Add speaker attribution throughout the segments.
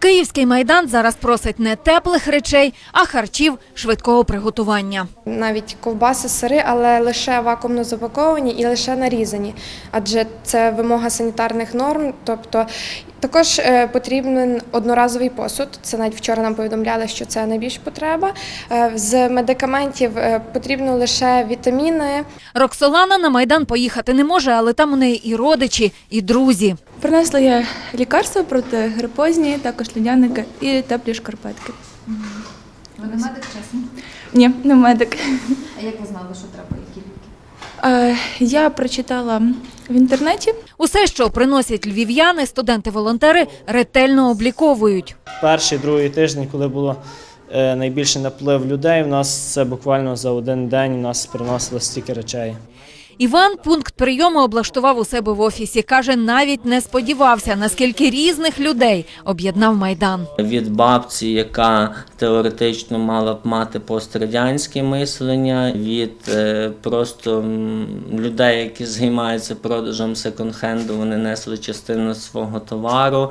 Speaker 1: Київський Майдан зараз просить не теплих речей, а харчів швидкого приготування.
Speaker 2: Навіть ковбаси, сири, але лише вакуумно запаковані і лише нарізані, адже це вимога санітарних норм, тобто також потрібен одноразовий посуд, це навіть вчора нам повідомляли, що це найбільша потреба. З медикаментів потрібно лише вітаміни.
Speaker 1: Роксолана на Майдан поїхати не може, але там у неї і родичі, і друзі.
Speaker 3: Принесла я лікарства протигрипозні, також льодяники і теплі шкарпетки.
Speaker 1: Ви не медик, чесно?
Speaker 3: Ні, не медик.
Speaker 1: А як ви знали, що треба, які ліки?
Speaker 3: Я прочитала в інтернеті.
Speaker 1: Усе, що приносять львів'яни, студенти-волонтери ретельно обліковують.
Speaker 4: Перший, другий тиждень, коли було найбільший наплив людей, у нас це буквально за один день у нас приносило стільки речей.
Speaker 1: Іван пункт прийому облаштував у себе в офісі. Каже, навіть не сподівався, наскільки різних людей об'єднав Майдан.
Speaker 5: Від бабці, яка теоретично мала б мати пострадянське мислення, від просто людей, які займаються продажем секонд-хенду, вони несли частину свого товару,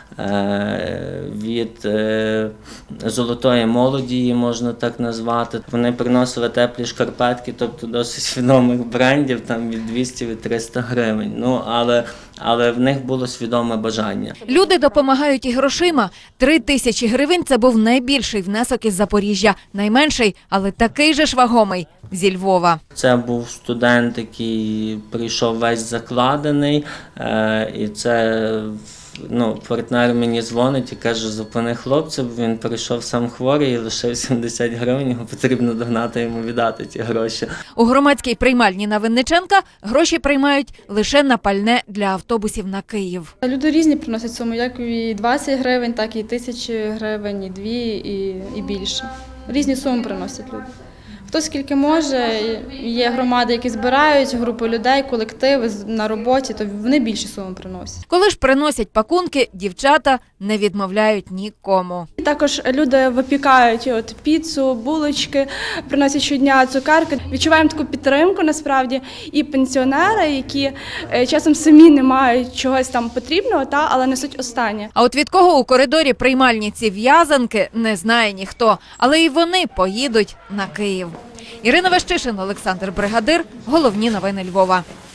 Speaker 5: від золотої молоді, її можна так назвати. Вони приносили теплі шкарпетки, тобто досить відомих брендів, там від 200-300 гривень. Ну, але в них було свідоме бажання.
Speaker 1: Люди допомагають і грошима. 3000 гривень – це був найбільший внесок із Запоріжжя. Найменший, але такий же ж вагомий – зі Львова.
Speaker 5: Це був студент, який прийшов весь закладений, і це... партнер мені дзвонить і каже, зупини хлопця, бо він прийшов сам хворий і лишив 70 гривень, його потрібно догнати, йому віддати ті гроші.
Speaker 1: У громадській приймальні на Винниченка гроші приймають лише на пальне для автобусів на Київ.
Speaker 6: Люди різні приносять суми, як і 20 гривень, так і 1000 гривень, і 2, і більше. Різні суми приносять люди. Хто скільки може, є громади, які збирають, групи людей, колективи на роботі, то вони більші суми приносять.
Speaker 1: Коли ж приносять пакунки, дівчата не відмовляють нікому.
Speaker 3: Також люди випікають піцу, булочки, приносять щодня цукерки. Відчуваємо таку підтримку насправді. І пенсіонери, які часом самі не мають чогось там потрібного, але несуть останнє.
Speaker 1: А от від кого у коридорі приймальні ці в'язанки не знає ніхто, але і вони поїдуть на Київ. Ірина Вещишин, Олександр Бригадир. Головні новини Львова.